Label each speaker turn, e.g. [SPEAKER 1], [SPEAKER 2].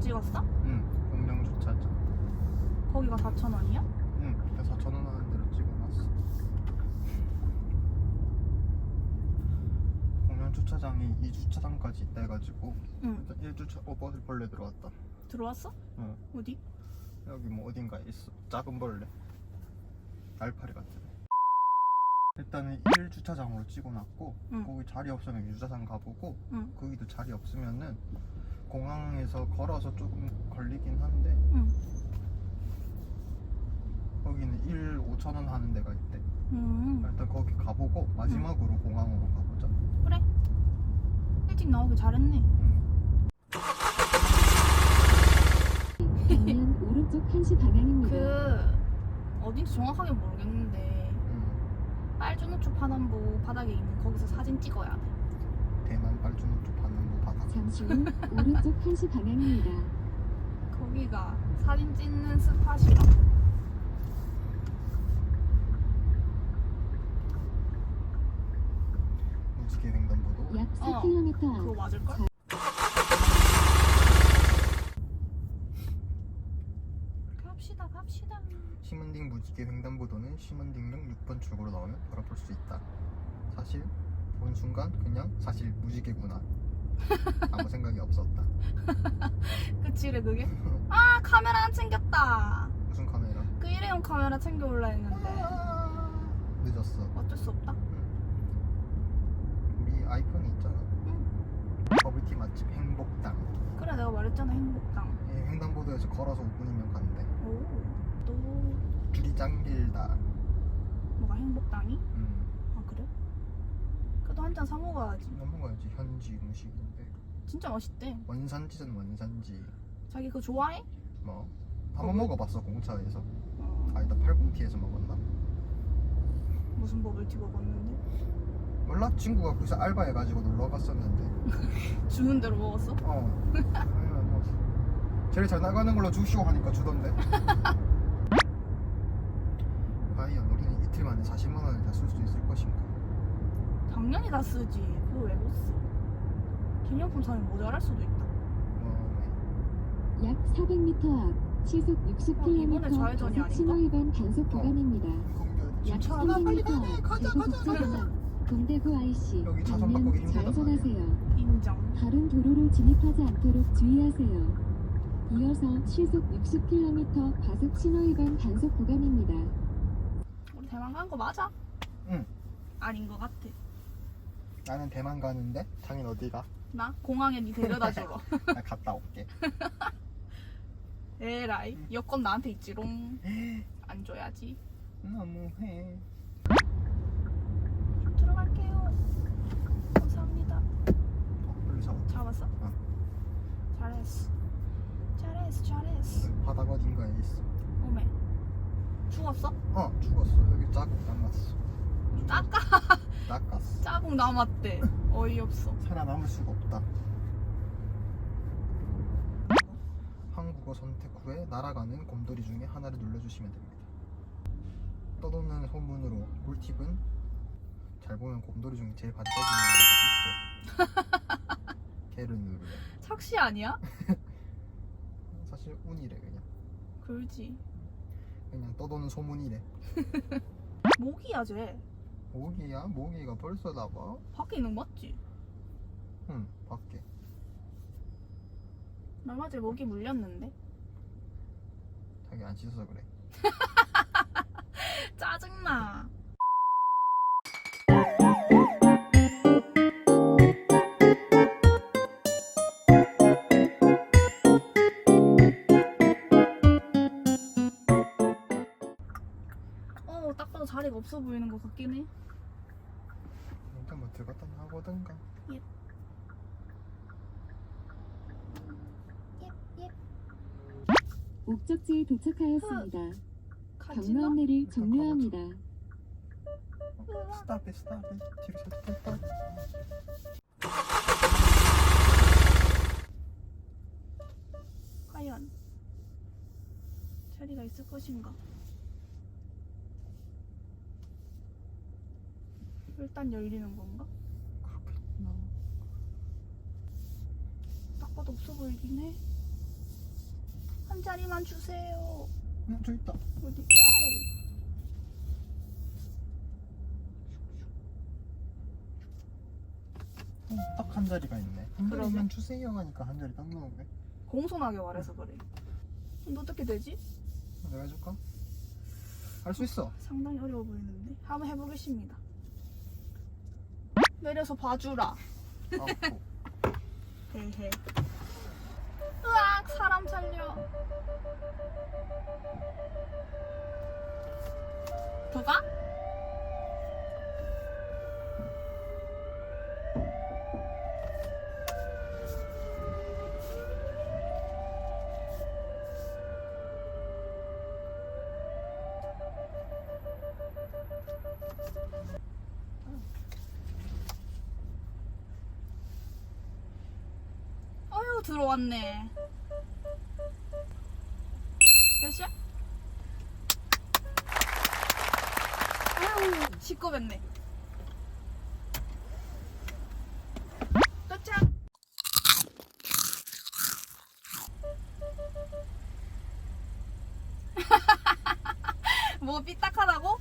[SPEAKER 1] 찍었어?
[SPEAKER 2] 응, 공영 주차장.
[SPEAKER 1] 거기가 4,000원이야?
[SPEAKER 2] 응, 그때 4,000원 하는 대로 찍어놨어. 공영 주차장이 2주차장까지 있다 해가지고
[SPEAKER 1] 응.
[SPEAKER 2] 1주차 벌레 들어왔다.
[SPEAKER 1] 들어왔어?
[SPEAKER 2] 응.
[SPEAKER 1] 어디?
[SPEAKER 2] 여기 뭐 어딘가에 있어. 작은 벌레. 알파리 같은 애. 일단은 1주차장으로 찍어놨고
[SPEAKER 1] 응.
[SPEAKER 2] 거기 자리 없으면 2주차장 가보고
[SPEAKER 1] 응.
[SPEAKER 2] 거기도 자리 없으면은 공항에서 걸어서 조금 걸리긴 한데
[SPEAKER 1] 응.
[SPEAKER 2] 거기는 1 5,000원 하는 데가 있대. 일단 거기 가보고 마지막으로 공항으로 가보자.
[SPEAKER 1] 그래. 일찍 나오길 잘했네.
[SPEAKER 3] 방면 오른쪽 1시 방향입니다.
[SPEAKER 1] 그 어딘지 정확하게 모르겠는데 빨주노초 파남보 바닥에 있는 거기서 사진 찍어야 돼.
[SPEAKER 2] 대만 빨주노초 반남부 바다.
[SPEAKER 3] 잠시 후 오른쪽 1시 방향입니다.
[SPEAKER 1] 거기가 사진 찍는 스팟이라.
[SPEAKER 2] 무지개 횡단보도.
[SPEAKER 3] 약
[SPEAKER 1] 어,
[SPEAKER 3] 4km
[SPEAKER 1] 그거
[SPEAKER 3] 앞
[SPEAKER 1] 맞을걸? 갑시다 갑시다.
[SPEAKER 2] 시먼딩 무지개 횡단보도는 시먼딩역 6번 출구로 나오면 바로 볼 수 있다. 사실 본 순간 그냥 사실 무지개구나. 아무 생각이 없었다.
[SPEAKER 1] 그치래 그게? 아 카메라 안 챙겼다.
[SPEAKER 2] 무슨 카메라?
[SPEAKER 1] 그 일회용 카메라 챙겨올라 했는데
[SPEAKER 2] 늦었어.
[SPEAKER 1] 어쩔 수 없다.
[SPEAKER 2] 우리 아이폰이 있잖아.
[SPEAKER 1] 응.
[SPEAKER 2] 버블티 맛집 행복당.
[SPEAKER 1] 그래 내가 말했잖아 행복당.
[SPEAKER 2] 횡단보도에서 걸어서 5분이면 간대.
[SPEAKER 1] 오또
[SPEAKER 2] 줄이 짱 길다.
[SPEAKER 1] 뭐가 행복당이? 아 그래? 그래도 한 잔 사 먹어야지.
[SPEAKER 2] 넘어가야지. 현지 음식인데
[SPEAKER 1] 진짜 맛있대.
[SPEAKER 2] 원산지전 원산지.
[SPEAKER 1] 자기 그거 좋아해?
[SPEAKER 2] 뭐? 한번 먹어봤어 공차에서.
[SPEAKER 1] 어,
[SPEAKER 2] 아니다 80T에서 먹었나?
[SPEAKER 1] 무슨 버블티 먹었는데?
[SPEAKER 2] 몰라? 친구가 거기서 알바해가지고 놀러 갔었는데.
[SPEAKER 1] 주는 대로 먹었어?
[SPEAKER 2] 아니면 뭐 제일 잘 나가는 걸로 주시오 하니까 주던데. 과연 우리는 이틀 만에 40만 원을 다 쓸 수 있을 것인가?
[SPEAKER 1] 당연히 다 쓰지. 그거 왜 못 써? 기념품 사면 모자랄 수도 있다.
[SPEAKER 3] 약 400m 앞 시속
[SPEAKER 1] 이번에
[SPEAKER 3] 60km
[SPEAKER 1] 좌회전이
[SPEAKER 3] 과속
[SPEAKER 1] 아닌가?
[SPEAKER 3] 신호 위반 단속 구간입니다. 약
[SPEAKER 2] 주차 하나 빨리
[SPEAKER 3] 300m
[SPEAKER 2] 가네.
[SPEAKER 3] 앞
[SPEAKER 2] 가자
[SPEAKER 3] 대구국사 방향 동대구 IC
[SPEAKER 2] 여기 차선 바꾸기
[SPEAKER 3] 방면
[SPEAKER 2] 힘들다,
[SPEAKER 3] 좌회전하세요.
[SPEAKER 1] 인정.
[SPEAKER 3] 다른 도로로 진입하지 않도록 주의하세요. 이어서 시속 60km 과속 신호 위반 단속 구간입니다.
[SPEAKER 1] 우리 대만 간 거 맞아?
[SPEAKER 2] 응.
[SPEAKER 1] 아닌 거 같아.
[SPEAKER 2] 나는 대만 가는데 장인 어디가?
[SPEAKER 1] 나 공항에 니 데려다 주러.
[SPEAKER 2] 나 갔다 올게.
[SPEAKER 1] 에라이 여권 나한테 있지롱. 안 줘야지.
[SPEAKER 2] 너무해.
[SPEAKER 1] 들어갈게요. 감사합니다.
[SPEAKER 2] 빨리 잡아.
[SPEAKER 1] 잡았어?
[SPEAKER 2] 어.
[SPEAKER 1] 잘했어. 잘했어 잘했어.
[SPEAKER 2] 바닥 어딘가에 있어.
[SPEAKER 1] 오메. 죽었어?
[SPEAKER 2] 죽었어. 여기 자국 남았어. 닦았어.
[SPEAKER 1] 자국 남았대. 어이없어.
[SPEAKER 2] 살아남을 수가 없다. 한국어 선택 후에 날아가는 곰돌이 중에 하나를 눌러주시면 됩니다. 떠도는 소문으로 꿀팁은 잘 보면 곰돌이 중에 제일 반짝이는 애가 있대. 걔를 누르래.
[SPEAKER 1] 착시 아니야?
[SPEAKER 2] 사실 운이래 그냥.
[SPEAKER 1] 그렇지.
[SPEAKER 2] 그냥 떠도는 소문이래.
[SPEAKER 1] 모기야 쟤.
[SPEAKER 2] 모기야? 모기가 벌써 나와?
[SPEAKER 1] 밖에 있는 거 맞지?
[SPEAKER 2] 응, 밖에.
[SPEAKER 1] 얼마 전에 모기 물렸는데.
[SPEAKER 2] 자기 안 씻어서 그래.
[SPEAKER 1] 짜증나. 딱 봐도 자리가 없어 보이는 것 같긴 해.
[SPEAKER 2] 일단 뭐 들어갔다 나오든가.
[SPEAKER 1] 예.
[SPEAKER 3] 목적지에 도착하였습니다. 경로
[SPEAKER 1] 가지나?
[SPEAKER 3] 안내를 종료합니다.
[SPEAKER 2] 스탑해 뒤로 살짝 뺐다.
[SPEAKER 1] 과연 자리가 있을 것인가? 일단 열리는 건가?
[SPEAKER 2] 그렇겠나.
[SPEAKER 1] 딱 봐도 없어 보이긴 해. 한 자리만 주세요.
[SPEAKER 2] 저 있다.
[SPEAKER 1] 어디?
[SPEAKER 2] 딱 한 자리가 있네. 한
[SPEAKER 1] 그러게.
[SPEAKER 2] 자리만 주세요 하니까 한 자리 딱 나오네.
[SPEAKER 1] 공손하게 말해서 그래. 근데 어떻게 되지?
[SPEAKER 2] 내가 해줄까? 할 수 있어.
[SPEAKER 1] 상당히 어려워 보이는데 한번 해보겠습니다. 내려서 봐주라.
[SPEAKER 2] 아고.
[SPEAKER 1] 헤헤. 으악, 사람 살려. 더 가? 어휴, 들어왔네. 됐어? 아유, 시끄럽네. 도착! 뭐 삐딱하다고?